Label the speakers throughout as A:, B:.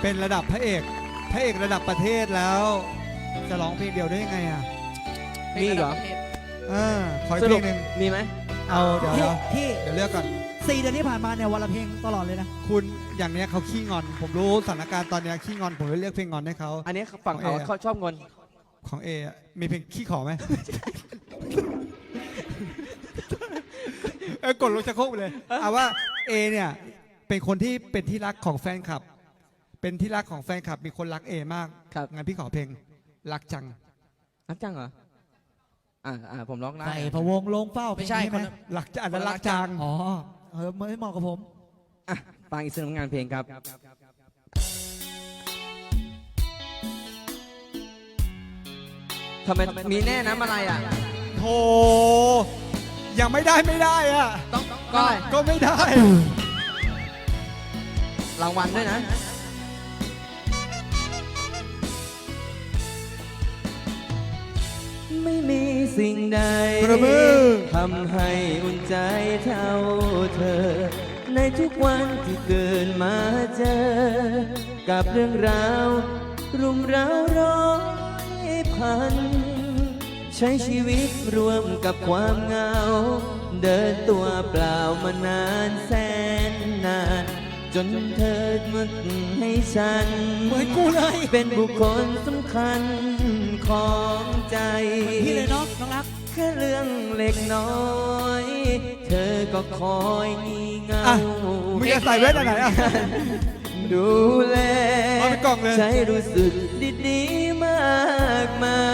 A: เป็นระดับพระเอกระดับประเทศแล้วจะร้องเพลงเดียวได้ยังไงอ่ะ
B: มีเหรอ
A: ขออีก
B: ส
A: เพ
B: รุ
A: ล
B: ป
A: งหนึ่ง
B: มีไหม
A: เอาเดี๋ยว
C: ที่
A: เลือกก่อน
C: 4 เดือนที่ผ่านมาเนี่ยวันละเพลงตลอดเลยนะ
A: คุณอย่างเนี้ยเขาขี้งอน ผมรู้สถานการณ์ตอนเนี้ยขี้งอนผมเลยเลือกเพลงงอนให้เขา
B: อันนี้ฝั่งเขา
A: ของเอ
B: เขาชอบงอน
A: ของเอะมีเพลงขี้ขอไหม กดลงชักโครกไปเลยเอาว่าเอเนี่ยเป็นคนที่เป็นที่รักของแฟนคลับ เป็นที่รักของแฟนคลับมีคนรักเอมาก
B: ครับ
A: งั้นพี่ขอเพลงรักจัง
B: รักจังเหรอผมร้องได้
C: ใส่พะวงลงเฝ้า
D: ไม่ใช่
C: เพลง
D: คน
C: นี้
D: ละ
A: รักจังอันนั้นรักจัง
C: อ๋อไม่เหมาะกับผม
B: ฟังอีกสักหนึ่งงานเพลงครับทำไมมีแน่น้ำอะไรอ่ะ
A: โธ่ยังไม่ได้อ่ะ
D: ต้อง
B: ก็
A: ก็ไม่ได้
B: รางวัลด้วยนะ ไม่มีสิ่งใด
A: ประมือ
B: ทำให้อุ่นใจเท่าเธอ ในทุกวันที่เกินมาเจอ กับเรื่องราวรุมเร้าร้อยพัน ใช้ชีวิตรวมกับความเหงา เดินตัวเปล่ามานานแสนนาน จนเธอมาให้ฉัน
C: เหมือนกูเลย
B: เป็นบุคคลสำคัญของใจ
C: พี่เลยน้องรัก
B: แค่เรื่องเล็กน้อย เธอก็คอยงี่เงา
A: อ่ะมึงจะใส่แว่นอันไหนอ่ะ
B: ดูแล
A: เอาไปกล่องเลย
B: ใจรู้สึกดีๆมากมาย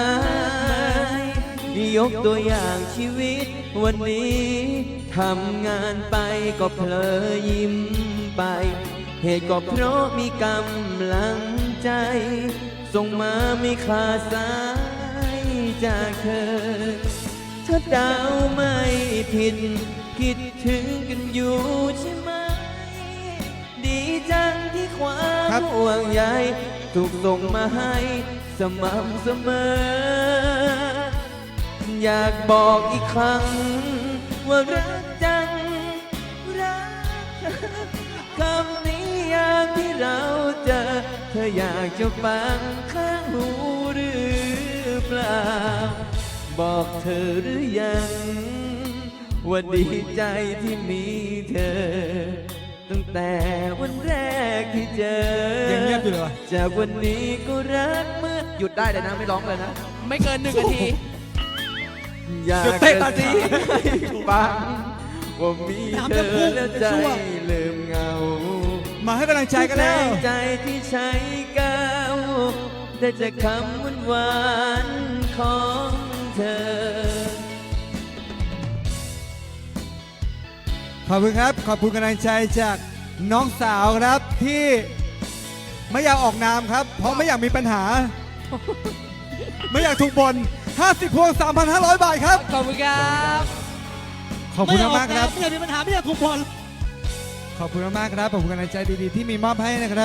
B: ยกตัวอย่างชีวิตวันนี้ทำงานไปก็เพลอยิ้มไป เหตุก็เพราะมีกำลังใจ ส่งมาไม่ขาดสายจากเธอ ถ้าดาวไม่ผิด คิดถึงกันอยู่ใช่ไหม ดีจังที่ความ
A: ครับ
B: ห่วงใยถูกส่งมาให้สม่ำเสมอ อยากบอกอีกครั้ง ว่ารักจัง รักคำนี้ยามที่เราเจอ เธออยากจะฟังข้างหูหรือเปล่า บอกเธอหรือยัง ว่าดีใจที่มีเธอ ตั้งแต่วันแรกที่เจอ
A: ยังเงียบอยู่เลยวะ
B: จากวันนี้ก็รักเมื่อหยุดได้เลยนะไม่ร้องเลยนะ
D: ไม่เกิน1 นาที
B: อยาก
A: หยุดเต้น
B: ก
A: ตา
B: ระ
A: จี
B: ซิบให้ฟังว่ามีเธอแล้วใจลืมเหงา
A: มาให้กำลังใจกันแล้ว
B: ใจที่ใช้ก้าวได้จากคำหวานๆของเธอ
A: ขอบคุณครับ ขอบคุณกำลังใจจากน้องสาวครับที่ไม่อยากออกนามครับ เพราะไม่อยากมีปัญหา ไม่อยากถูกบ่น50 พวง 3,500 บาทครับ
D: ขอบคุณครับ
A: ขอบคุณมากๆครับ
C: ไม่อยากมีปัญหาไม่อยากถูกบอล
A: ขอบคุณมากๆครับ ขอบคุณกำลังใจดีๆที่มีมอบให้นะครับ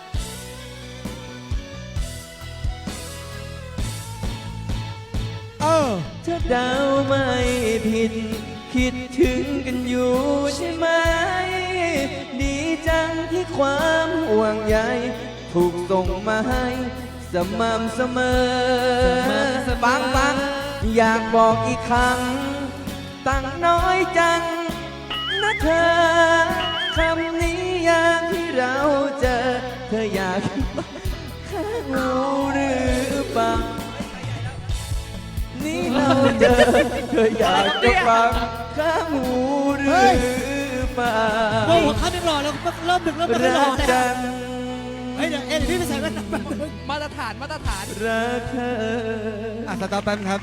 B: ถ้าเดาไม่ผิด คิดถึงกันอยู่ใช่ไหม ดีจังที่ความห่วงใยถูกส่งมาให้สม่ำเสมอ ฟังอยากบอกอีกครั้ง ตั้งน้อยจังนะเธอ คำนี้ยามที่เราเจอ เธออยากข้างหูหรือเปล่า นี่เราเจอ เธออยากจะฟังข้างหูหรือเปล่า
C: โอ้โหข้ามยังรอแล้วเริ่มดึกเริ่มไม่ร
B: รั
C: อก แล้ว
B: จัง
C: เฮ้ยเดี๋ยวพี่ไปใส่แว่นแป๊บนึง
D: มาตรฐาน
B: รักเธอ
A: สต็อปแป๊บนึงครับ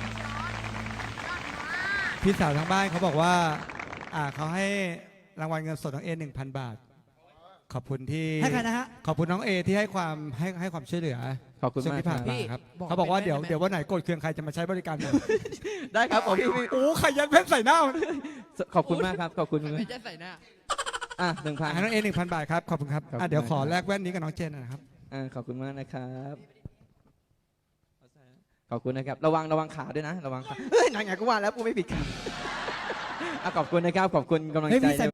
A: พี่สาวทางบ้านเขาบอกว่าเขาให้รางวัลเงินสดน้องเอ 1,000 บาท ขอบคุณที่
C: ให้ใครนะฮะ
A: ขอบคุณน้องเอที่ให้ความช่วยเหลือ
B: ขอบคุณ
A: ช่วง
B: มาก
A: ที่ผ่าน
B: ครับ
A: มาครับ
D: พี่บอก
A: เขาบอกว่า
D: เป็น
A: เดี๋ยววันไหนโกรธเคืองใครจะมาใช้บริการผม
B: ได้ครับผมพี่
A: โอ้ใครยัดเพชรใส่หน้ามัน
B: ขอบคุณมากครับ ขอบคุณมาก
D: ไม่จะใส่หน้า
B: 1,000
A: น้องเอ 1,000 บาทครับ ขอบคุณครับ
B: ขอบคุณ
A: เดี๋ยว
B: มาก
A: ขอแลกแว่นนี้กับน้องเจนหนะครับ
B: ขอบคุณมากนะครับ ขอบคุณนะครับ ระวังขาด้วยนะ ระวังขาเฮ้ยไหนๆก็ว่าแล้วกูไม่ผิดครับขอบคุณนะครับ ขอบคุณกำลัง
C: เฮ้ย
B: ใจ
C: มีใส่